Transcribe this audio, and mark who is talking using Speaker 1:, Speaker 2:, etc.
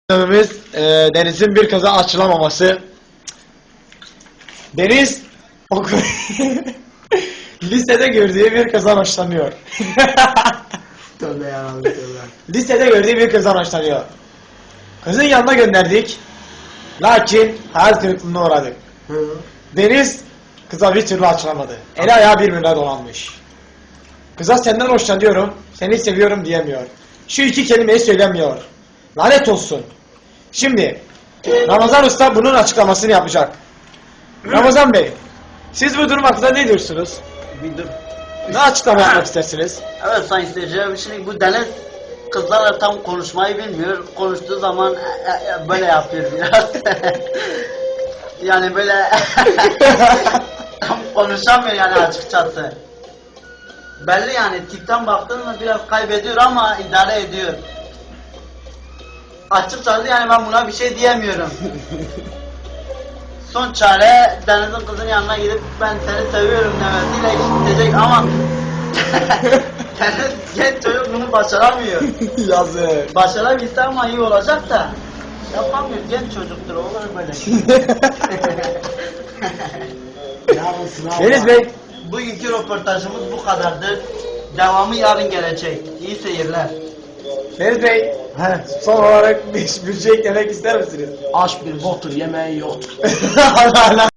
Speaker 1: Gündemimiz Deniz'in bir kaza açılamaması. Deniz lisede gördüğü bir kızdan hoşlanıyor.
Speaker 2: Tövbe yarabbim tövbe.
Speaker 1: Lisede gördüğü bir kızdan hoşlanıyor. Kızın yanına gönderdik. Lakin hayal kırıklığına uğradık.
Speaker 2: Hı.
Speaker 1: Deniz kıza bir türlü açılamadı. Eli ayağı birbirine dolanmış. Kıza senden hoşlanıyorum, seni seviyorum diyemiyor. Şu iki kelimeyi söylemiyor. Lanet olsun. Şimdi Ramazan Usta bunun açıklamasını yapacak. Ramazan Bey, siz bu durum hakkında ne diyorsunuz?
Speaker 3: Bir dur.
Speaker 1: Ne açıklama yapmak istersiniz?
Speaker 3: Evet sayın seyirciler, şimdi bu Deniz kızlarla tam konuşmayı bilmiyor. Konuştuğu zaman böyle yapıyor biraz. Yani böyle tam konuşamıyor yani açıkçası. Belli yani tipten baktığında biraz kaybediyor ama idare ediyor. Açıkçası yani ben buna bir şey diyemiyorum. Son çare Deniz'in kızın yanına gidip ben seni seviyorum demesiyle iş bitecek ama Deniz genç çocuk bunu başaramıyor.
Speaker 1: Yazık.
Speaker 3: Başarabilse ama iyi olacak da yapamıyor, genç çocuktur, olur böyle.
Speaker 2: Yarın sınav
Speaker 1: Deniz
Speaker 2: var.
Speaker 1: Bey,
Speaker 3: Bugünkü röportajımız bu kadardır. Devamı yarın gelecek. İyi seyirler.
Speaker 1: Deniz Bey, son olarak bir şey eklemek ister misiniz?
Speaker 2: Aç bir boktur yemeği yoktur.
Speaker 1: Allah Allah.